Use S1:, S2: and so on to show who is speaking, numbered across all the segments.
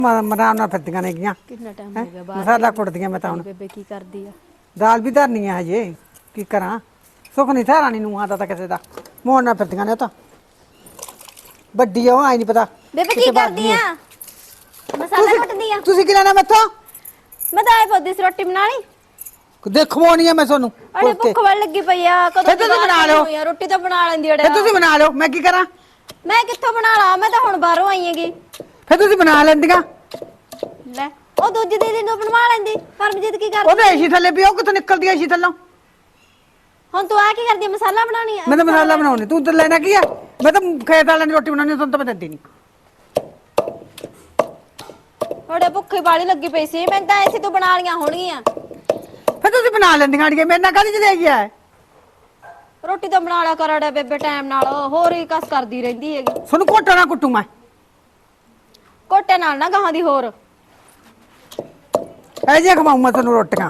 S1: ਮਰਾਮ ਨਾਲ ਫਿਰਦੀਆਂ ਨੇ ਗੀਆਂ।
S2: ਕਿੰਨਾ ਟਾਈਮ ਹੋ ਗਿਆ ਬਾਹਰ
S1: ਮਸਾਲਾ ਕੁੱਟਦੀਆਂ ਮੈਂ ਤਾਂ ਹੁਣ।
S2: ਬੇਬੇ ਕੀ ਕਰਦੀ ਆ?
S1: ਦਾਲ ਵੀ ਧਰਨੀ ਆ ਹਜੇ, ਕੀ ਕਰਾਂ। ਸੁੱਖ ਨਹੀਂ ਥਾਰਾਣੀ ਨੂੰ ਆਦਾ ਤਾਂ ਕਿਸੇ ਦਾ ਮੋੜ ਨਾਲ ਫਿਰਦੀਆਂ ਨੇ। ਉਹ ਤਾਂ ਵੱਡੀ ਆ, ਉਹ ਆਈ ਨਹੀਂ ਪਤਾ
S2: ਬੇਬੇ ਕੀ ਕਰਦੀ ਆ? ਮਸਾਲਾ ਕੁੱਟਦੀ ਆ।
S1: ਤੁਸੀਂ ਕੀ ਲੈਣਾ ਮੈਥੋਂ?
S2: ਮੈਂ ਤਾਂ ਆਏ ਪੋਦੀ ਸੀ ਰੋਟੀ ਬਣਾ ਲਈ।
S1: ਦੇਖਵਾਉਣੀ ਆ ਮੈਂ ਤੁਹਾਨੂੰ।
S2: ਅਰੇ ਭੁੱਖ ਵੜ ਲੱਗੀ ਪਈ ਆ, ਕਦੋਂ
S1: ਤੁਸੀਂ ਬਣਾ ਲਓ
S2: ਯਾਰ, ਰੋਟੀ ਤਾਂ ਬਣਾ ਲੈਂਦੀ ਅੜੇ।
S1: ਫਿਰ ਤੁਸੀਂ ਬਣਾ ਲਓ, ਮੈਂ ਕੀ ਕਰਾਂ?
S2: ਮੈਂ ਕਿੱਥੋਂ ਬਣਾ ਲਾ, ਮੈਂ ਤਾਂ ਹੁਣ ਬਾਹਰੋਂ ਆਈ ਹੈਗੀ।
S1: ਫਿਰ ਤੁਸੀਂ ਬਣਾ ਲੈਂਦੀਆਂ।
S2: ਲੈ ਉਹ ਦੂਜੀ ਦੀਦੀ ਨੂੰ ਬਣਵਾ ਲੈਂਦੀ। ਪਰਮਜੀਤ ਕੀ ਕਰਦੀ?
S1: ਉਹਦੇ ਏਸੀ ਥੱਲੇ ਵੀ ਉਹ ਕਿੱਥੋਂ ਨਿਕਲਦੀ ਏਸੀ ਥੱਲੋਂ?
S2: ਹੁਣ ਤੂੰ ਆ ਕੀ ਕਰਦੀ? ਮਸਾਲਾ ਬਣਾਉਣੀ ਆ?
S1: ਮੈਂ ਤਾਂ ਮਸਾਲਾ ਬਣਾਉਣੀ, ਤੂੰ ਤਾਂ ਲੈਣਾ ਕੀ ਆ? ਮੈਂ ਤਾਂ ਖੇਤ ਵਾਲਿਆਂ ਦੀ ਰੋਟੀ ਬਣਾਉਣੀ, ਤੁਹਾਨੂੰ ਤਾਂ ਮੈਂ ਦਿੰਦੀ ਨਹੀਂ।
S2: ਥੋੜੇ ਭੁੱਖੀ ਬਾਲੀ ਲੱਗੀ ਪਈ ਸੀ, ਮੈਂ ਤਾਂ ਐਸੀ ਤੂੰ ਬਣਾ ਲੀਆਂ ਹੋਣਗੀਆਂ।
S1: ਫਿਰ ਤੁਸੀਂ ਬਣਾ ਲੈਂਦੀਆਂ ਅੜੀਏ, ਮੇਰੇ ਨਾਲ ਕਾਹਦੀ ਚ ਗਿਆ ਹੈ?
S2: ਰੋਟੀ ਤਾਂ ਬਣਾ ਲਿਆ ਕਰ ਅੜੇ ਬੇਬੇ ਟਾਈਮ ਨਾਲ, ਹੋਰ ਹੀ ਕਸ ਕਰਦੀ ਰਹਿੰਦੀ ਹੈਗੀ।
S1: ਤੁਹਾਨੂੰ ਘੋਟਾ ਨਾ ਕੁੱਟੂ ਮੈਂ।
S2: ਕੋਟੇ ਨਾਲ ਨਾ ਗਾਹਾਂ ਦੀ ਹੋਰ
S1: ਐ ਜੇ ਖਵਾਉਂ ਮੈਂ ਤੁਹਾਨੂੰ ਰੋਟੀਆਂ।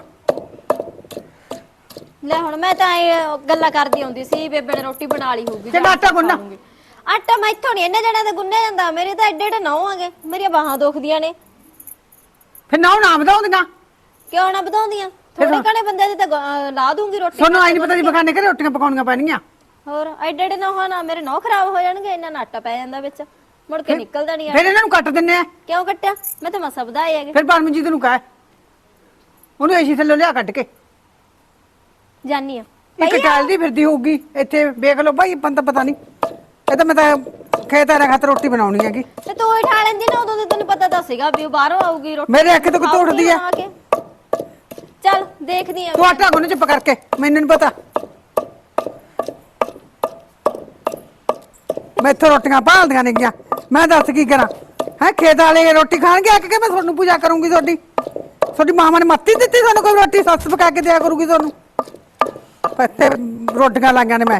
S2: ਲੈ ਹੁਣ ਮੈਂ ਤਾਂ ਇਹ ਗੱਲਾਂ ਕਰਦੀ ਆਉਂਦੀ ਸੀ, ਬੇਬੇ ਨੇ ਰੋਟੀ ਬਣਾ ਲਈ ਹੋਊਗੀ।
S1: ਕਿਹੜਾ ਆਟਾ ਗੁੰਨਾ?
S2: ਆਟਾ ਮੈਂ ਇੱਥੋਂ ਨਹੀਂ ਇੰਨੇ ਜਣਿਆਂ ਦੇ ਗੁੰਨਿਆ ਜਾਂਦਾ, ਮੇਰੇ ਤਾਂ ਐਡੇ ਐਡੇ ਨਹੁੰ ਆਗੇ, ਮੇਰੀਆਂ ਬਾਹਾਂ ਦੁਖਦੀਆਂ ਨੇ।
S1: ਫਿਰ ਨਾ ਵਧਾਉਂਦੀਆਂ
S2: ਕਿਉਂ ਨਾ ਵਧਾਉਂਦੀਆਂ? ਥੋੜੇ ਘਣੇ ਬੰਦੇ ਦੀ ਤਾਂ ਲਾ ਦੂੰਗੀ ਰੋਟੀ।
S1: ਤੁਹਾਨੂੰ ਆਈ ਨਹੀਂ ਪਤਾ ਜੀ ਬਗਾਨੇ ਘਰੇ ਰੋਟੀਆਂ ਪਕਾਉਣੀਆਂ ਪੈਣੀਆਂ।
S2: ਹੋਰ ਐਡੇ ਐਡੇ ਨਹੁੰ ਨਾ ਮੇਰੇ ਨਹੁੰ ਖਰਾਬ ਹੋ ਜਾਣਗੇ, ਇੰਨਾ ਆਟਾ ਪੈ ਜਾਂਦਾ ਵਿੱਚ, ਮੁੜ ਕੇ ਨਿਕਲਦਾ ਨਹੀਂ।
S1: ਫਿਰ ਇਹਨਾਂ ਨੂੰ ਕੱਟ ਦਿੰਨੇ ਆ।
S2: ਕਿਉਂ ਕੱਟਿਆ? ਮੈਂ ਤਾਂ ਮਸਾ ਵਧਾਏ ਹੈਗੇ।
S1: ਫਿਰ ਪਰਮਜੀਤ ਨੂੰ ਕਹਿ, ਉਹਨੂੰ ਏਸੀ ਥੱਲੇ ਲਿਆ ਕੱਢ ਕੇ।
S2: ਜਾਨੀ ਆ
S1: ਇੱਕ ਟਾਲਦੀ ਫਿਰਦੀ ਹੋਊਗੀ ਇੱਥੇ, ਵੇਖ ਲਓ ਭਾਈ ਬੰਦਾ ਪਤਾ ਨਹੀਂ। ਇਹ ਤਾਂ ਮੈਂ ਤਾਂ ਖੇਤ ਆ ਖਾਤਰ ਰੋਟੀ ਬਣਾਉਣੀ ਹੈਗੀ।
S2: ਤੇ ਤੂੰ ਹੀ ਠਾ ਲੈਂਦੀ ਨਾ, ਉਦੋਂ ਤੇ ਤੈਨੂੰ ਪਤਾ ਤਾਂ ਸੀਗਾ ਵੀ ਉਹ ਬਾਹਰੋਂ ਆਊਗੀ ਰੋਟੀ।
S1: ਮੇਰੇ ਅੱਖ ਤੋਂ ਕਿਤੋਂ ਉੱਠਦੀ ਆ?
S2: ਚੱਲ ਦੇਖਦੀ ਆ।
S1: ਤੂੰ ਆਟਾ ਗੁੰਨ ਚੁੱਪ ਕਰਕੇ, ਮੈਨੂੰ ਨਹੀਂ ਪਤਾ। ਮੈਂ ਇੱਥੇ ਰੋਟੀਆਂ ਭਾਲਦੀਆਂ ਨੇ ਗੀਆਂ, ਮੈਂ ਦੱਸ ਕੀ ਕਰਾਂ? ਹੈ ਖੇਤ ਵਾਲੇ ਰੋਟੀ ਖਾਣਗੇ ਆ ਕੇ, ਮੈਂ ਤੁਹਾਨੂੰ ਪੂਜਾ ਕਰੂੰਗੀ। ਤੁਹਾਡੀ ਮਾਂ ਨੇ ਮੱਤੀ ਦਿੱਤੀ ਤੁਹਾਨੂੰ ਕੋਈ ਰੋਟੀ? ਸੱਸ ਪਕਾ ਕੇ ਦਿਆ ਕਰੂਗੀ ਤੁਹਾਨੂੰ। ਇੱਥੇ ਰੋਟੀਆਂ ਲਾਈਆਂ ਨੇ ਮੈਂ,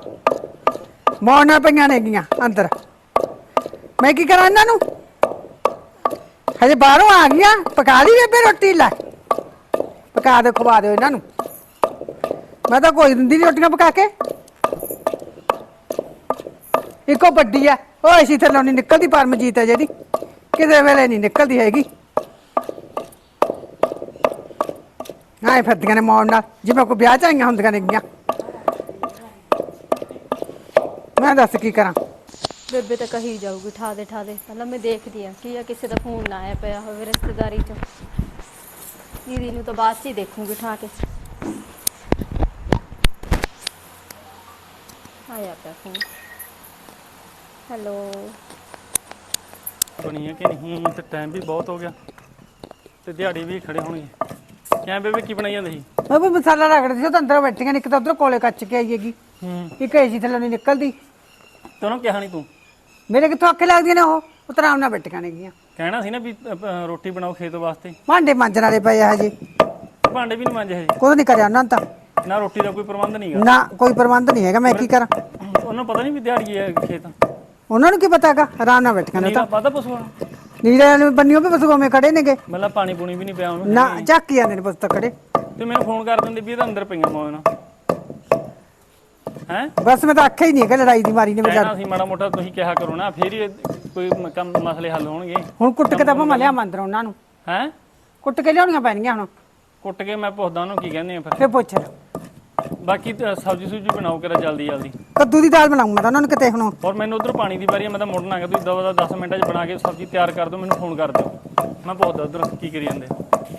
S1: ਮੋੜਨਾ ਪਈਆਂ ਨੇ ਗੀਆਂ ਅੰਦਰ। ਮੈਂ ਕੀ ਕਰਾਂ ਇਹਨਾਂ ਨੂੰ? ਹਜੇ ਬਾਹਰੋਂ ਆ ਗਈਆਂ, ਪਕਾ ਲਈ ਬੇਬੇ ਰੋਟੀ? ਲੈ ਪਕਾ ਦੇ, ਖਵਾ ਦਿਓ ਇਹਨਾਂ ਨੂੰ। ਮੈਂ ਤਾਂ ਕੋਈ ਦਿੰਦੀ ਨਹੀਂ ਰੋਟੀਆਂ ਪਕਾ ਕੇ। ਇੱਕੋ ਵੱਡੀ ਆ, ਉਹ ਐਸੀ ਥੱਲੋਂ ਨਹੀਂ ਨਿਕਲਦੀ। ਪਰਮਜੀਤ ਹੈ ਜਿਹੜੀ, ਕਿਸੇ ਵੇਲੇ ਨਹੀਂ ਨਿਕਲਦੀ ਹੈਗੀ। ਆਏ ਫਿਰਦੀਆਂ ਨੇ ਮੌਣ ਨਾਲ, ਜਿਵੇਂ ਕੋਈ ਵਿਆਹ ਚ ਆਈਆਂ ਹੁੰਦੀਆਂ ਨੇ ਗੀਆਂ। ਮੈਂ ਦੱਸ ਕੀ ਕਰਾਂ?
S2: ਬੇਬੇ ਤਾਂ ਕਹੀ ਜਾਊਗੀ ਠਾ ਦੇ ਠਾ ਦੇ। ਪਹਿਲਾਂ ਮੈਂ ਦੇਖਦੀ ਆ ਕੀ ਆ, ਕਿਸੇ ਦਾ ਫੋਨ ਨਾ ਆਇਆ ਪਿਆ ਹੋਵੇ ਰਿਸ਼ਤੇਦਾਰੀ ਚੋਂ। ਦੀਦੀ ਨੂੰ ਤਾਂ ਬਾਅਦ ਚ ਹੀ ਦੇਖੂਗੀ ਠਾ ਕੇ। ਆਇਆ ਪਿਆ ਫੋਨ। ਹੈਲੋ
S3: ਬਣੀ ਹੈ ਕਿ ਨਹੀਂ? ਤੇ ਟਾਈਮ ਵੀ ਬਹੁਤ ਹੋ ਗਿਆ ਤੇ ਦਿਹਾੜੀ ਵੀ ਖੜੇ ਹੋਣਗੇ। ਕਿਵੇਂ ਬੇਬੇ ਕੀ ਬਣਾਈ ਜਾਂਦੀ ਸੀ?
S1: ਮੈਂ ਵੀ ਮਸਾਲਾ ਰਗੜਦੀ ਸੀ, ਉਹ ਤਾਂ ਅੰਦਰ ਬੈਠੀਆਂ ਨੇ। ਇੱਕ ਤਾਂ ਉਧਰ ਕੋਲੇ ਕੱਚ ਕੇ ਆਈ ਹੈਗੀ, ਇੱਕ ਏਸੀ ਥੱਲੋਂ ਨਹੀਂ ਨਿਕਲਦੀ।
S3: ਤੇ ਉਹਨੂੰ ਕਿਹਾ ਨਹੀਂ ਤੂੰ?
S1: ਮੇਰੇ ਕਿੱਥੋਂ ਅੱਖੇ ਲੱਗਦੀਆਂ ਨੇ? ਉਹ ਤਾਂ ਆਰਾਮ ਨਾਲ ਬੈਠੀਆਂ ਨੇ ਗੀਆਂ।
S3: ਕਹਿਣਾ ਸੀ ਨਾ ਵੀ ਰੋਟੀ ਬਣਾਓ ਖੇਤ ਵਾਸਤੇ।
S1: ਭਾਂਡੇ ਮਾਂਜਣ ਵਾਲੇ ਪਏ ਆ ਹਜੇ,
S3: ਭਾਂਡੇ ਵੀ ਨਹੀਂ ਮਾਂਜੇ ਹਜੇ?
S1: ਕੁਝ ਨਹੀਂ ਕਰਿਆ ਉਹਨਾਂ ਨੇ ਤਾਂ।
S3: ਨਾ ਰੋਟੀ ਦਾ ਕੋਈ ਪ੍ਰਬੰਧ ਨਹੀਂਗਾ?
S1: ਨਾ ਕੋਈ ਪ੍ਰਬੰਧ ਨਹੀਂ ਹੈਗਾ, ਮੈਂ ਕੀ ਕਰਾਂ?
S3: ਉਹਨੂੰ ਪਤਾ ਨਹੀਂ ਵੀ ਦਿਹਾੜੀ ਹੈ ਖੇਤ?
S1: ਉਹਨਾਂ ਨੂੰ ਕੀ ਪਤਾ ਹੈਗਾ? ਆਰਾਮ ਨਾਲ ਬੈਠੀਆਂ ਨੇ ਉਹ
S3: ਨੀਰਾ
S1: ਤਾਂ।
S3: ਪਤਾ ਪਸ਼ੂਆਂ ਨੂੰ?
S1: ਨੀਰੇ ਨੂੰ ਬੰਨਿਓ ਵੀ ਪਸ਼ੂ ਮੇ ਖੜੇ ਨੇਗੇ।
S3: ਮਤਲਬ ਪਾਣੀ ਪੂਣੀ ਵੀ ਨਹੀਂ ਪਿਆ ਉਹਨੂੰ?
S1: ਨਾ ਝਾਕੀ ਜਾਂਦੇ ਨੇ ਪਸ਼ੂ ਤਾਂ ਖੜੇ।
S3: ਤੇ ਮੈਨੂੰ ਫੋਨ ਕਰ ਦਿੰਦੇ ਵੀ ਇਹਦਾ ਅੰਦਰ ਪਈਆਂ ਮੌਜ ਨਾਲ। ਹੈ
S1: ਬਸ ਮੈਂ ਤਾਂ ਆਖਿਆ ਹੀ ਨਹੀਂ ਹੈਗਾ, ਲੜਾਈ ਦੀ ਮਾਰੀ ਨੇ
S3: ਕਹਿਣਾ
S1: ਵਿਚਾਰ।
S3: ਸੀ ਮਾੜਾ ਮੋਟਾ ਤੁਸੀਂ ਕਿਹਾ ਕਰੋ ਨਾ, ਫੇਰ ਹੀ ਕੋਈ ਕੰਮ ਮਸਲੇ ਹੱਲ ਹੋਣਗੇ।
S1: ਹੁਣ ਕੁੱਟ ਕੇ ਤਾਂ ਭਾਵੇਂ ਲਿਆ ਮੰਦਰ ਉਹਨਾਂ ਨੂੰ,
S3: ਹੈ
S1: ਕੁੱਟ ਕੇ ਲਿਆਉਣੀਆਂ ਪੈਣਗੀਆਂ ਹੁਣ।
S3: ਕੁੱਟ ਕੇ ਮੈਂ ਪੁੱਛਦਾ ਉਹਨੂੰ ਕੀ ਕਹਿੰਦੇ ਆ ਫਿਰ।
S1: ਫੇਰ ਪੁੱਛ ਲੈ।
S3: ਬਾਕੀ ਸਬਜ਼ੀ ਸੁਬਜ਼ੀ ਬਣਾਓ ਕਿਰਾ ਜਲਦੀ ਜਲਦੀ।
S1: ਕੱਦੂ ਦੀ ਦਾਲ ਬਣਾਉਂਗਾ ਤਾਂ ਉਹਨਾਂ ਨੂੰ ਕਿਤੇ ਹੁਣ।
S3: ਔਰ ਮੈਨੂੰ ਉਧਰ ਪਾਣੀ ਦੀ ਵਾਰੀ ਆ, ਮੈਂ ਤਾਂ ਮੁੜਨਾ ਹੈਗਾ। ਤੁਸੀਂ ਦਵਾ 10 ਮਿੰਟਾਂ 'ਚ ਬਣਾ ਕੇ ਸਬਜ਼ੀ ਤਿਆਰ ਕਰ ਦਿਓ, ਮੈਨੂੰ ਫੋਨ ਕਰ ਦਿਓ। ਮੈਂ ਪੁੱਛਦਾ ਉਧਰ ਕੀ ਕਰੀ ਜਾਂਦੇ।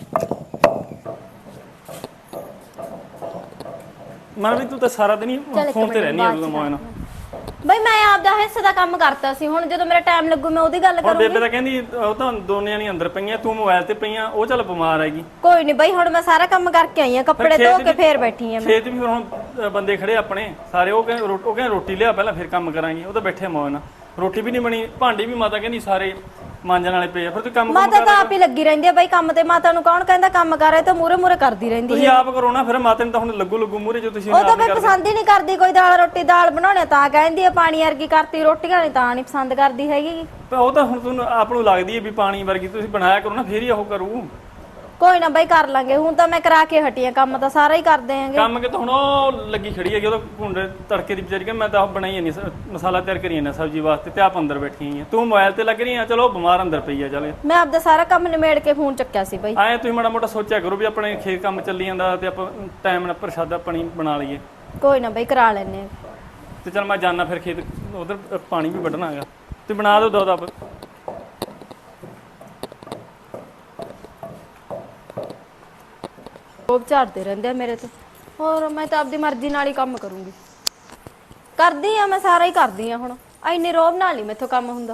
S3: ਮਨ ਵੀ ਤੂੰ ਤਾਂ ਸਾਰਾ ਦਿਨ ਹੀ ਫੋਨ ਤੇ ਰਹਿਣੀ ਆ ਉਦੋਂ ਮੋਇਨਾ।
S2: ਬਈ ਮੈਂ ਆਪਦਾ ਹਿੱਸੇ ਦਾ ਕੰਮ ਕਰਤਾ ਸੀ, ਹੁਣ ਜਦੋਂ ਮੇਰਾ ਟਾਈਮ ਲੱਗੂ ਮੈਂ ਉਹਦੀ ਗੱਲ
S3: ਹੁਣ
S2: ਕਰੂੰਗੀ।
S3: ਬੇਬੇ ਤਾਂ ਕਹਿੰਦੀ ਉਹ ਤਾਂ ਦੋਨੇ ਨਹੀਂ ਅੰਦਰ ਪਈਆਂ, ਤੂੰ ਮੋਬਾਈਲ ਤੇ ਪਈਆਂ। ਉਹ ਚੱਲ ਬਿਮਾਰ ਹੈਗੀ।
S2: ਕੋਈ ਨਹੀਂ ਬਈ, ਹੁਣ ਮੈਂ ਸਾਰਾ ਕੰਮ ਕਰਕੇ ਆਈ ਆ, ਕੱਪੜੇ ਧੋ ਕੇ ਫੇਰ ਬੈਠੀ ਆ ਮੈਂ।
S3: ਖੇਤ ਵੀ ਹੁਣ ਬੰਦੇ ਖੜੇ ਆਪਣੇ ਸਾਰੇ। ਉਹ ਕਹਿੰਦੇ ਰੋਟੀ ਲਿਆ ਪਹਿਲਾਂ ਫਿਰ ਕੰਮ ਕਰਾਂਗੇ। ਉਹ ਤਾਂ ਬੈਠੇ ਮੋਇਨਾ, ਰੋਟੀ ਵੀ ਨਹੀਂ ਬਣੀ। ਭਾਂਡੇ ਵੀ ਮਾਤਾ ਕਹਿੰਦੀ ਸਾਰੇ ਮਾਂਜਣ ਵਾਲੇ ਪਏ ਆ। ਫਿਰ ਤੂੰ ਕੰਮ
S2: ਮਾਤਾ ਤਾਂ ਆਪ ਹੀ ਲੱਗੀ ਰਹਿੰਦੀ ਆ ਬਈ ਕੰਮ ਤੇ। ਮਾਤਾ ਨੂੰ ਕੌਣ ਕਹਿੰਦਾ ਕੰਮ ਕਰ ਰਹੇ, ਤਾਂ ਮੂਰੇ ਮੂਰੇ ਕਰਦੀ ਰਹਿੰਦੀ
S3: ਤੁਸੀਂ ਆਪ ਕਰੋ ਨਾ। ਫਿਰ ਮਾਤਾ ਨੂੰ ਤਾਂ ਹੁਣ ਲੱਗੂ ਮੂਰੇ ਜੋ ਤੁਸੀਂ
S2: ਉਹ ਤਾਂ ਬਈ ਪਸੰਦ ਹੀ ਨਹੀਂ ਕਰਦੀ ਕੋਈ ਦਾਲ ਰੋਟੀ। ਦਾਲ ਬਣਾਉਣੇ ਤਾਂ ਕਹਿੰਦੀ ਆ ਪਾਣੀ ਵਰਗੀ ਕਰਤੀ, ਰੋਟੀਆਂ ਨਹੀਂ ਤਾਂ ਨਹੀਂ ਪਸੰਦ ਕਰਦੀ ਹੈਗੀ।
S3: ਉਹ ਤਾਂ ਹੁਣ ਤੁਹਾਨੂੰ ਆਪ ਨੂੰ ਲੱਗਦੀ ਹੈ ਵੀ ਪਾਣੀ ਵਰਗੀ। ਤੁਸੀਂ ਬਣਾਇਆ ਕਰੋ ਨਾ, ਫੇਰ ਹੀ ਉਹ ਕਰੂ।
S2: ਕੋਈ ਨਾ ਬਾਈ ਕਰ ਲਾਂਗੇ, ਹੁਣ ਤਾਂ ਮੈਂ ਕਰਾ ਕੇ ਹਟੀ ਆ, ਕੰਮ ਤਾਂ ਸਾਰਾ ਹੀ ਕਰਦੇ ਆਂਗੇ।
S3: ਕੰਮ ਕਿ ਤਾਂ ਹੁਣ ਉਹ ਲੱਗੀ ਖੜੀ ਹੈਗੀ, ਉਹਦਾ ਭੁੰਡੇ ਤੜਕੇ ਦੀ ਵਿਚਾਰੀ ਕਿ ਮੈਂ ਤਾਂ ਉਹ ਬਣਾਈ ਨਹੀਂ, ਮਸਾਲਾ ਤਿਆਰ ਕਰੀ ਜਾਂਦਾ ਸਬਜ਼ੀ ਵਾਸਤੇ, ਤੇ ਆਪ ਅੰਦਰ ਬੈਠੀ ਆ। ਤੂੰ ਮੋਬਾਈਲ ਤੇ ਲੱਗ ਰਹੀ ਆ, ਚਲੋ ਬਿਮਾਰ ਅੰਦਰ ਪਈ ਆ। ਚੱਲ
S2: ਮੈਂ ਆਪਦਾ ਸਾਰਾ ਕੰਮ ਨਿਮੇੜ ਕੇ ਫੋਨ ਚੱਕਿਆ ਸੀ ਬਾਈ।
S3: ਆਏ ਤੁਸੀਂ ਮਾੜਾ ਮੋਟਾ ਸੋਚਿਆ ਕਰੋ ਵੀ ਆਪਣੇ ਖੇਤ ਕੰਮ ਚੱਲੀ ਜਾਂਦਾ ਤੇ ਆਪਾਂ ਟਾਈਮ ਨਾਲ ਪ੍ਰਸ਼ਾਦਾ ਪਾਣੀ ਬਣਾ ਲਈਏ।
S2: ਕੋਈ ਨਾ ਬਾਈ ਕਰਾ ਲੈਨੇ ਆ।
S3: ਤੇ ਚਲ ਮੈਂ ਜਾਣਾ ਫਿਰ ਖੇਤ, ਉਧਰ ਪਾਣੀ ਵੀ ਵੱਢਣਾ ਹੈਗਾ, ਤੇ ਬਣਾ ਦਿਓ ਦੋ ਦੱਬ।
S2: ਉਹ ਝਾੜਦੇ ਰਹਿੰਦੇ ਆ ਮੇਰੇ ਤੇ, ਹੋਰ ਮੈਂ ਤਾਂ ਆਪਦੀ ਮਰਜ਼ੀ ਨਾਲ ਹੀ ਕੰਮ ਕਰੂੰਗੀ। ਕਰਦੀ ਆ ਮੈਂ ਸਾਰਾ ਹੀ ਕਰਦੀ ਆ, ਹੁਣ ਇੰਨੇ ਰੋਬ ਨਾਲ ਨਹੀਂ ਮੈਥੋਂ ਕੰਮ ਹੁੰਦਾ।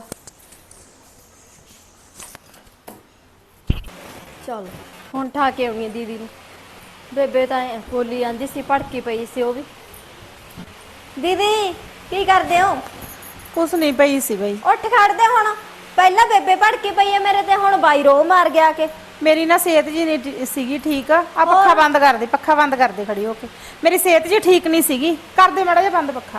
S2: ਚਲ ਹੁਣ ਠਾ ਕੇ ਆਉਣੀ ਆ ਦੀਦੀ ਨੂੰ। ਬੇਬੇ ਤਾਂ ਐਂ ਬੋਲੀ ਜਾਂਦੀ ਸੀ, ਭੜਕੀ ਪਈ ਸੀ ਉਹ ਵੀ। ਦੀਦੀ ਕੀ ਕਰਦੇ ਹੋ?
S4: ਕੁਛ ਨਹੀਂ ਪਈ ਸੀ ਬਈ।
S2: ਉੱਠ ਖੜਦੇ ਹੁਣ, ਪਹਿਲਾਂ ਬੇਬੇ ਭੜਕੀ ਪਈ ਹੈ ਮੇਰੇ ਤੇ, ਹੁਣ ਬਾਈ ਰੋ ਮਾਰ ਗਿਆ ਕੇ।
S4: ਮੇਰੀ ਨਾ ਸਿਹਤ ਜੀ ਨਹੀਂ ਸੀਗੀ ਠੀਕ। ਆ ਪੱਖਾ ਬੰਦ ਕਰ ਦੇ, ਪੱਖਾ ਬੰਦ ਕਰ ਦੇ ਖੜੀ ਹੋ ਕੇ। ਮੇਰੀ ਸਿਹਤ ਜੀ ਠੀਕ ਨਹੀਂ ਸੀਗੀ, ਕਰ ਦੇ ਮਾੜਾ ਜਿਹਾ ਬੰਦ ਪੱਖਾ।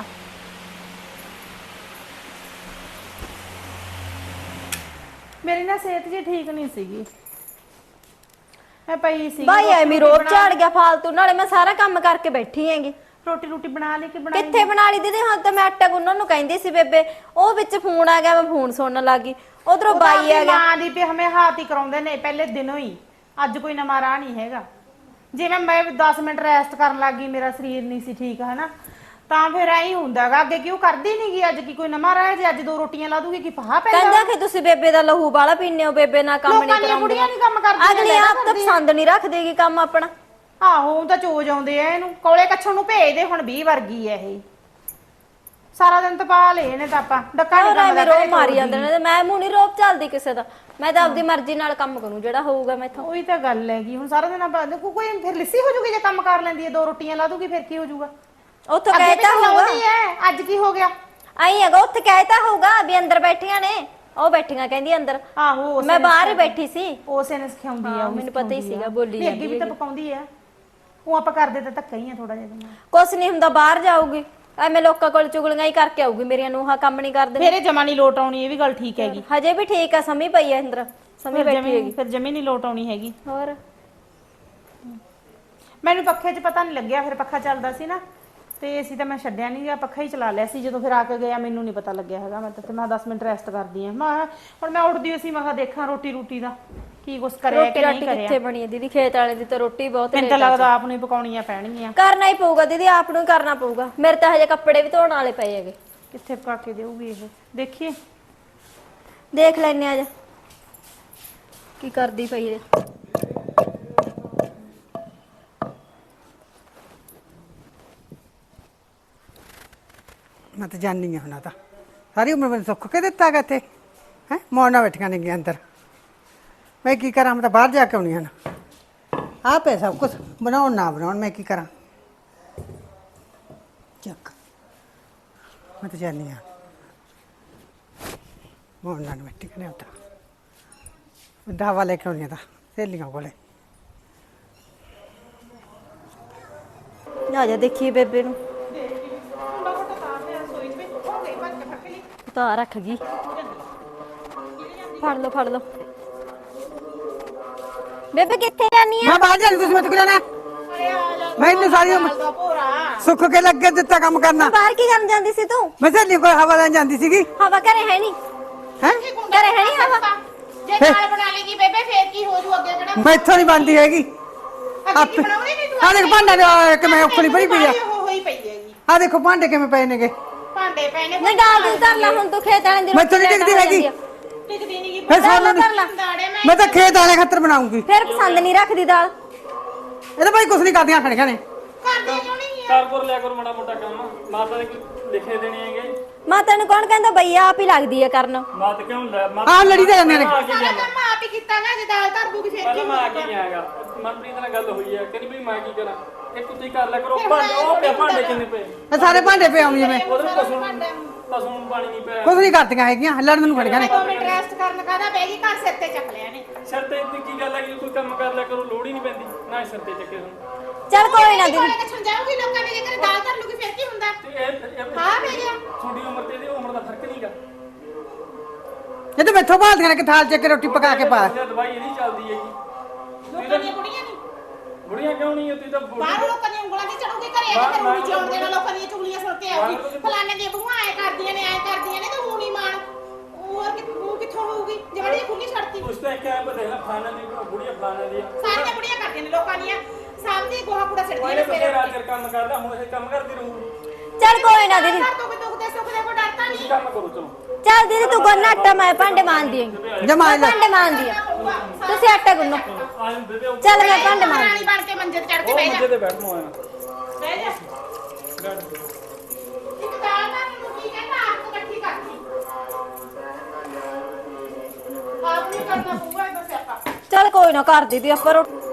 S4: ਮੇਰੀ ਨਾ ਸਿਹਤ ਜੀ ਠੀਕ ਨਹੀਂ ਸੀਗੀ, ਮੈਂ ਪਈ ਸੀ।
S2: ਬਾਈ ਐਵੇਂ ਰੋਬ ਝਾੜ ਗਿਆ ਫਾਲਤੂ, ਨਾਲੇ ਮੈਂ ਸਾਰਾ ਕੰਮ ਕਰਕੇ ਬੈਠੀ ਹੈਗੀ।
S4: ਰੋਟੀ ਰੋਟੀ ਬਣਾ ਲਈ ਕਿ ਬਣਾਈ?
S2: ਕਿੱਥੇ ਬਣਾ ਲਈ ਦੀਦੀ, ਹੁਣ ਤਾਂ ਮੈਂ ਆਟਾ ਗੁੰਨਣ ਨੂੰ ਕਹਿੰਦੀ ਸੀ ਬੇਬੇ, ਉਹ ਵਿੱਚ ਫੋਨ ਆ ਗਿਆ, ਮੈਂ ਫੋਨ ਸੁਣਨ ਲੱਗੀ, ਉਧਰੋਂ ਬਾਈ ਆ ਗਿਆ।
S4: ਮਾਂ ਦੀ ਵੀ ਹਮੇ ਹਾਥ ਹੀ ਕਰਾਉਂਦੇ ਨੇ ਪਹਿਲੇ ਦਿਨੋਂ ਹੀ, ਅੱਜ ਕੋਈ ਨਵਾਂ ਰਾਹ ਨਹੀਂ ਹੈਗਾ। ਜਿਵੇਂ ਮੈਂ 10 ਮਿੰਟ ਰੈਸਟ ਕਰਨ ਲੱਗੀ, ਮੇਰਾ ਸਰੀਰ ਨਹੀਂ ਸੀ ਠੀਕ ਹਨਾ, ਤਾਂ ਫਿਰ ਐਂ ਹੀ ਹੁੰਦਾਗਾ। ਅੱਗੇ ਕਿਉਂ ਕਰਦੀ ਨਹੀਂਗੀ, ਅੱਜ ਕੀ ਕੋਈ ਨਵਾਂ ਰਾਹ? ਜੇ ਅੱਜ 2 ਰੋਟੀਆਂ ਲਾ ਦੂਗੀ ਕੀ ਪਹਾ ਪੈਂਦਾ?
S2: ਕਹਿੰਦਾ ਕਿ ਤੁਸੀਂ ਬੇਬੇ ਦਾ ਲਹੂ ਬਾਲਾ ਪੀਨੇ ਹੋ, ਬੇਬੇ ਨਾਲ ਕੰਮ ਨਹੀਂ ਕਰਾਉਂਦੇ।
S4: ਕੁੜੀਆਂ ਨਹੀਂ ਕੰਮ ਕਰਦੀਆਂ,
S2: ਅਗਲੀ ਆਪ ਤਾਂ ਪਸੰਦ ਨਹੀਂ ਰੱਖਦੀਗੀ ਕੰਮ ਆਪਣਾ।
S4: ਆਹੋ ਉਹ ਤਾਂ ਚੋਜ ਆਉਂਦੇ ਆ ਇਹਨੂੰ, ਕੋਲੇ ਕੱਛਣ ਨੂੰ ਭੇਜਦੇ। ਹੁਣ 20 ਵਰਗੀ ਐ ਇਹ, ਸਾਰਾ ਦਿਨ ਤਪਾ ਲਏ ਨੇ ਤਾਂ ਆਪਾਂ ਡੱਕਾ ਨਹੀਂ ਕੰਮ
S2: ਰੋ ਮਾਰੀ ਜਾਂਦੇ ਨੇ, ਤੇ ਮੈਂ ਮੂੰਹ ਨਹੀਂ ਰੋਬ ਚੱਲਦੀ ਕਿਸੇ ਦਾ। ਮੈਂ ਤਾਂ ਆਪਦੀ ਮਰਜ਼ੀ ਨਾਲ ਕੰਮ ਕਰੂੰ ਜਿਹੜਾ ਹੋਊਗਾ ਮੈਥੋਂ।
S4: ਉਹੀ ਤਾਂ ਗੱਲ ਹੈਗੀ, ਹੁਣ ਸਾਰਾ ਦਿਨ ਆਪਾਂ ਕੋਈ ਫਿਰ ਲਿੱਸੀ ਹੋ ਜੂਗੀ ਜੇ ਕੰਮ ਕਰ ਲੈਂਦੀ ਹੈ, 2 ਰੋਟੀਆਂ ਲਾ ਦੂਗੀ ਫਿਰ ਕੀ ਹੋ ਜੂਗਾ?
S2: ਉੱਥੋਂ ਕਹਿਤਾ ਹੋਊਗਾ,
S4: ਅੱਜ ਕੀ ਹੋ ਗਿਆ?
S2: ਆਈ ਹੈਗਾ ਉੱਥੇ ਕਹਿਤਾ ਹੋਊਗਾ ਵੀ ਅੰਦਰ ਬੈਠੀਆਂ ਨੇ, ਉਹ ਬੈਠੀਆਂ ਕਹਿੰਦੀ ਅੰਦਰ।
S4: ਆਹੋ
S2: ਮੈਂ ਬਾਹਰ ਹੀ ਬੈਠੀ ਸੀ,
S4: ਉਸੇ ਨੇ ਸਿਖਾਉਂਦੀ ਆ।
S2: ਮੈਨੂੰ ਪਤਾ ਹੀ ਸੀਗਾ, ਬੋਲੀ
S4: ਜਾਂਦੀ ਅੱਗੇ ਵੀ ਤਾਂ ਪਕਾਉਂਦੀ ਆ। ਉਹ ਆਪਾਂ ਕਰਦੇ ਤਾਂ ਧੱਕਾ ਹੀ ਆ ਥੋੜਾ ਜਿਹਾ।
S2: ਕੁਛ ਨਹੀਂ ਹੁੰਦਾ, ਬਾਹਰ ਜਾਊਗੀ ਐਵੇਂ ਲੋਕਾਂ ਕੋਲ ਚੁਗਲੀਆਂ ਹੀ ਕਰਕੇ ਆਊਗੀ। ਮੇਰੀਆਂ ਨੂੰਹਾਂ ਕੰਮ ਨਹੀਂ ਕਰਦੇ।
S4: ਮੇਰੇ ਜਮਾ ਨਹੀਂ ਲੋਟ ਆਉਣੀ, ਇਹ ਵੀ ਗੱਲ ਠੀਕ ਹੈਗੀ।
S2: ਹਜੇ ਵੀ ਠੀਕ ਆ, ਸਮੀ ਪਈ ਐ ਅੰਦਰ, ਸਮੀ ਬੈਠੀ ਹੈਗੀ।
S4: ਫਿਰ ਜਮੀ ਨਹੀਂ ਲੋਟ ਆਉਣੀ ਹੈਗੀ।
S2: ਹੋਰ
S4: ਮੈਨੂੰ ਪੱਖੇ 'ਚ ਪਤਾ ਨਹੀਂ ਲੱਗਿਆ, ਫਿਰ ਪੱਖਾ ਚੱਲਦਾ ਸੀ ਨਾ, ਤੇ ਅਸੀਂ ਤਾਂ ਮੈਂ ਛੱਡਿਆ ਨਹੀਂ ਗਿਆ, ਪੱਖਾ ਹੀ ਚਲਾ ਲਿਆ ਸੀ। ਜਦੋਂ ਫਿਰ ਆ ਕੇ ਗਿਆ ਮੈਨੂੰ ਨਹੀਂ ਪਤਾ ਲੱਗਿਆ ਹੈਗਾ। ਮੈਂ ਤਾਂ ਮੈਂ 10 ਮਿੰਟ ਰੈਸਟ ਕਰਦੀ ਆ। ਮੈਂ ਹੁਣ ਮੈਂ ਉੱਠਦੀ ਸੀ, ਮੈਂ ਕਿਹਾ ਦੇਖਾਂ ਰੋਟੀ ਦਾ ਕੀ ਕੁਛ ਕਰਿਆ ਕਿ ਨਹੀਂ ਕਰਿਆ।
S2: ਕਿੱਥੇ ਬਣੀ ਹੈ ਦੀਦੀ, ਖੇਤ ਵਾਲੇ ਦੀ ਤਾਂ ਰੋਟੀ ਬਹੁਤ
S4: ਮੈਨੂੰ ਤਾਂ ਲੱਗਦਾ ਆਪ ਨੂੰ ਹੀ ਪਕਾਉਣੀਆਂ ਪੈਣਗੀਆਂ।
S2: ਕਰਨਾ ਹੀ ਪਊਗਾ ਦੀਦੀ, ਆਪ ਨੂੰ ਹੀ ਕਰਨਾ ਪਊਗਾ। ਮੇਰੇ ਤਾਂ ਹਜੇ ਕੱਪੜੇ ਵੀ ਧੋਣ ਵਾਲੇ ਪਏ ਹੈਗੇ।
S4: ਕਿੱਥੇ ਪਕਾ ਕੇ ਦੇਊਗੀ ਇਹ, ਦੇਖੀਏ
S2: ਦੇਖ ਲੈਨੇ ਆ ਜਾ ਕੀ ਕਰਦੀ ਪਈ ਹੈ।
S1: ਮੈਂ ਤਾਂ ਜਾਣੀ ਆ ਹੁਣ, ਤਾਂ ਸਾਰੀ ਉਮਰ ਮੈਨੂੰ ਸੁੱਖ ਕੇ ਦਿੱਤਾਗਾ ਇੱਥੇ ਹੈ। ਮੋੜਨਾ ਬੈਠੀਆਂ ਨੇ ਅੰਦਰ, ਮੈਂ ਕੀ ਕਰਾਂ? ਮੈਂ ਤਾਂ ਬਾਹਰ ਜਾ ਕੇ ਆਉਣੀ ਹਨ। ਆਪ ਹੈ ਸਭ ਕੁਛ, ਬਣਾਉਣ ਨਾ ਬਣਾਉਣ ਮੈਂ ਕੀ ਕਰਾਂ? ਚੱਕ ਮੈਂ ਤਾਂ ਜਾਣੀ ਆ, ਮੋੜਨਾ ਨੂੰ ਬੈਠੀ ਨੇ ਉੱਧਰ ਦਾਵਾ ਲੈ ਕੇ ਆਉਣੀ ਤਾਂ ਸਹੇਲੀਆਂ ਕੋਲੇ।
S2: ਆ ਜਾ ਦੇਖੀਏ ਬੇਬੇ ਨੂੰ, ਤਾਂ ਰੱਖ ਗਈ। ਫੜ ਲਓ ਬੇਬੇ, ਕਿੱਥੇ ਜਾਨੀ ਆ?
S1: ਮੈਂ ਬਾਹਰ ਜਾਣੀ, ਤੁਸੀਂ ਮੈਨੂੰ ਕਿਹਨਾਂ ਮੈਨੂੰ ਸਾਰੀ ਉਮਰ ਸੁੱਖ ਕੇ ਲੱਗੇ ਦਿੱਤਾ ਕੰਮ ਕਰਨਾ।
S2: ਬਾਹਰ ਕੀ ਕਰਨ ਜਾਂਦੀ ਸੀ ਤੂੰ?
S1: ਮੈਂ ਸਹੇਲੀ ਕੋਲ ਹਵਾ ਲੈਣ ਜਾਂਦੀ ਸੀਗੀ।
S2: ਹਵਾ ਘਰੇ ਹੈ ਨਹੀਂ,
S1: ਹੈ
S2: ਘਰੇ ਹੈ ਨਹੀਂ ਹਵਾ।
S4: ਜੇ ਨਾਲ ਬਣਾ ਲੇਗੀ ਬੇਬੇ ਫੇਰ ਕੀ ਹੋ ਜੂ? ਅੱਗੇ ਕਿਹੜਾ
S1: ਮੈਥੋਂ ਨਹੀਂ ਬਣਦੀ ਹੈਗੀ।
S4: ਅੱਗੇ ਬਣਾਉਣੀ ਨਹੀਂ ਤੂੰ?
S1: ਆ ਦੇਖ ਭਾਂਡਾ ਕਿਵੇਂ ਉਖਲੀ ਭਰੀ ਪਈ ਆ।
S4: ਹੋਈ ਪਈ ਹੈਗੀ,
S1: ਆ ਦੇਖੋ ਭਾਂਡੇ ਕਿਵੇਂ ਪਏ ਨੇਗੇ।
S4: ਭਾਂਡੇ ਪਏ ਨੇ।
S2: ਨਹੀਂ ਗਾਲ ਦੀ ਧਰ ਲੈ ਹੁਣ, ਤੂੰ ਖੇਤ ਵਾਲੇ ਦੀ
S1: ਮੈਥੋਂ ਨਹੀਂ ਟਿਕਦੀ ਹੈਗੀ।
S4: ਟਿਕਦੀ ਨਹੀਂ
S1: ਫਿਰ ਸਾਨੂੰ
S2: ਧਰ ਲੈ।
S1: ਮੈਂ ਤਾਂ ਖੇਤ ਵਾਲੇ ਖਾਤਰ ਬਣਾਉਂਗੀ।
S2: ਫਿਰ ਪਸੰਦ ਨਹੀਂ ਰੱਖਦੀ ਦਾਲ।
S1: ਇਹਦੇ ਭਾਈ ਕੁਛ ਨਹੀਂ ਕਰਦੀਆਂ ਖੜੀਆਂ ਨੇ।
S4: ਕਰਦੇ ਕਿਉਂ ਨਹੀਂ?
S3: ਕਰ ਲਿਆ ਕਰੋ ਮਾੜਾ ਮੋਟਾ ਕੰਮ, ਮਾਤਾ ਦੇ ਕੋਈ ਲਿਖੇ ਦੇਣੇ ਹੈਗੇ।
S2: ਮਾਤਾ ਨੂੰ ਕੌਣ ਕਹਿੰਦਾ ਬਈ ਆਪ ਹੀ ਲੱਗਦੀ ਹੈ ਕਰਨ।
S3: ਮਾਤ ਕਿਉਂ ਲੈ
S1: ਆਹ ਲੜੀ ਤਾਂ ਜਾਂਦੇ ਨੇ।
S4: ਸਾਰਾ ਕੰਮ ਆਪ ਹੀ ਕੀਤਾ ਨਾ, ਜੇ ਦਾਲ ਧਰ ਦੂਗੀ ਫੇਰ ਕੀ
S3: ਪਹਿਲਾਂ ਮੈਂ ਆ ਕੇ ਨਹੀਂ ਆਇਆਗਾ। ਮਨਪ੍ਰੀਤ ਨਾਲ ਗੱਲ ਹੋਈ ਹੈ, ਕਹਿੰਦੀ ਵੀ ਮੈਂ ਕੀ ਕਰਾਂ, ਇੱਕ ਤੁਸੀਂ ਕਰ ਲਿਆ ਕਰੋ। ਭਾਂਡੇ ਕਿੰਨੇ ਪਏ?
S1: ਇਹ ਸਾਰੇ ਭਾਂਡੇ ਪਏ ਆਉਂ ਜਿਵੇਂ
S3: ਉਹਦੇ ਪਸ਼ੂ ਨੂੰ ਪਾਣੀ ਨਹੀਂ ਪਿਆ।
S1: ਕੁਛ ਨਹੀਂ ਕਰਦੀਆਂ ਹੈਗੀਆਂ, ਲੜਨ ਨੂੰ ਖੜੀਆਂ ਨੇ।
S4: 2 ਮਿੰਟ ਰੈਸਟ ਕਰਨ ਕਾਹਦਾ ਬਹਿ ਗਈ, ਘਰ ਸਿਰ ਤੇ ਚੱਕ ਲਿਆ ਨੇ।
S3: ਸਿਰ ਤੇ ਇੰਨੀ ਕੀ ਗੱਲ ਹੈ ਕਿ ਕੋਈ ਕੰਮ ਕਰ ਲਿਆ ਕਰੋ, ਲੋੜ ਹੀ ਨਹੀਂ ਪੈਂਦੀ ਨਾ ਸਿਰ ਤੇ ਚੱਕੇ ਹੁਣ।
S2: ਚੱਲ ਕੋਈ ਨਾ ਦੀਦੀ,
S4: ਕੋਲੇ ਕੱਛਣ ਜਾਊਗੀ ਲੋਕਾਂ ਦੇ, ਜੇ ਦਾਲ ਧਰ ਲੂਗੀ ਫੇਰ ਕੀ ਹੁੰਦਾ?
S3: ਤੇ ਇਹ
S4: ਹਾਂ ਬਹਿ ਗਿਆ।
S3: ਛੋਟੀ ਉਮਰ ਤੇ ਇਹਦੀ ਉਮਰ ਦਾ ਫਰਕ ਨਹੀਂਗਾ।
S1: ਇਹ ਤਾਂ ਮੈਥੋਂ ਭਾਲਦੀਆਂ ਨੇ ਕਿ ਥਾਲ ਚੱਕ ਕੇ ਰੋਟੀ ਪਕਾ ਕੇ ਪਾ।
S3: ਦਵਾਈ ਇਹਦੀ ਚੱਲਦੀ ਹੈਗੀ।
S4: ਲੋਕਾਂ ਦੀਆਂ ਕੁੜੀਆਂ ਨਹੀਂ
S3: ਬੁੜੀਆਂ ਕਿਉਂ ਨਹੀਂ ਤੁਸੀਂ ਤਾਂ
S4: ਬਾਹਰੋਂ ਲੋਕਾਂ ਦੀਆਂ ਉਂਗਲਾਂ ਤੇ ਚੜੂਗੀ ਘਰੇ ਆ ਕੇ ਰੂੜੀ ਚੋਣ ਦੇਣਾ ਲੋਕਾਂ ਦੀਆਂ ਚੁਗਲੀਆਂ ਸੁਣ ਕੇ ਆਉਗੀ ਫਲਾਣੇ ਦੀਆਂ ਬਹੂਆਂ ਐ ਕਰਦੀਆਂ ਨੇ ਤੇ ਉਹ ਨਹੀਂ ਮਾਣ ਹੋਰ ਉਹ ਕਿੱਥੋਂ ਹੋਊਗੀ ਜਿਹੜੀ ਖੁੱਲੀ ਛੱਡਤੀ
S3: ਉਸ ਤੇ ਕਿਹਾ ਪਤਾ ਹੈ ਫਲਾਣਾ ਦੀ ਬੁੜੀਆਂ ਫਲਾਣਾ ਦੀ
S4: ਸਾਰੀਆਂ ਬੁੜੀਆਂ ਕਰਦੀਆਂ ਨੇ ਲੋਕਾਂ ਦੀਆਂ ਸਾਹਮਣੇ ਗੋਹਾ ਕੂੜਾ ਸਿੱਟਦੀਆਂ ਨੇ
S3: ਮੇਰੇ ਰਾਤ ਕਰ ਕੰਮ ਕਰਦਾ ਹੁਣ ਇਹ ਕੰਮ ਕਰਦੀ ਰਹੂ
S2: ਚੱਲ ਕੋਈ ਨਾ ਦੀਦੀ
S4: ਘਰ ਤੋਂ ਕੋਈ ਦੁੱਖ ਦੇ ਸੁੱਖ ਦੇ ਕੋਈ ਡਰਦਾ ਨਹੀਂ
S3: ਕੰਮ ਕਰੋ ਚਲੋ
S2: ਚੱਲ ਦੀਦੀ ਤੂੰ ਗੁੰਨ ਆਟਾ ਮੈਂ ਭਾਂਡੇ ਮਾਂਜਦੀ ਆਂ
S1: ਜਮਾ ਲੈ
S2: ਭਾਂਡੇ ਮਾਂਜਦੀ ਆ ਤੁਸੀਂ ਆਟਾ ਗੁੰਨੋ
S3: ਆ ਜਾਂਦੇ ਤੇ ਉਹ
S2: ਚੱਲ ਮੈਂ ਭਾਂਡੇ ਮਾਂਜਦੀ
S4: ਰਾਣੀ ਬਣ ਕੇ ਮੰਜੇ ਤੇ ਚੜ ਕੇ ਬਹਿ ਜਾ
S3: ਮੰਜੇ ਤੇ ਬੈਠ ਮੋਇਆ
S4: ਬਹਿ ਜਾ ਇੱਕ ਦਾਲ ਦਾ ਨੂੰ ਕੀ ਕਹਿੰਦਾ ਆਪ ਨੂੰ ਇਕੱਠੀ ਕਰਦੀ ਆਪ ਨਹੀਂ ਕਰਨਾ ਪਊਗਾ ਇਹਦਾ ਸਿਆਪਾ
S2: ਚੱਲ ਕੋਈ ਨਾ ਕਰ ਦੀਦੀ ਆਪਾਂ ਰੋਟੀ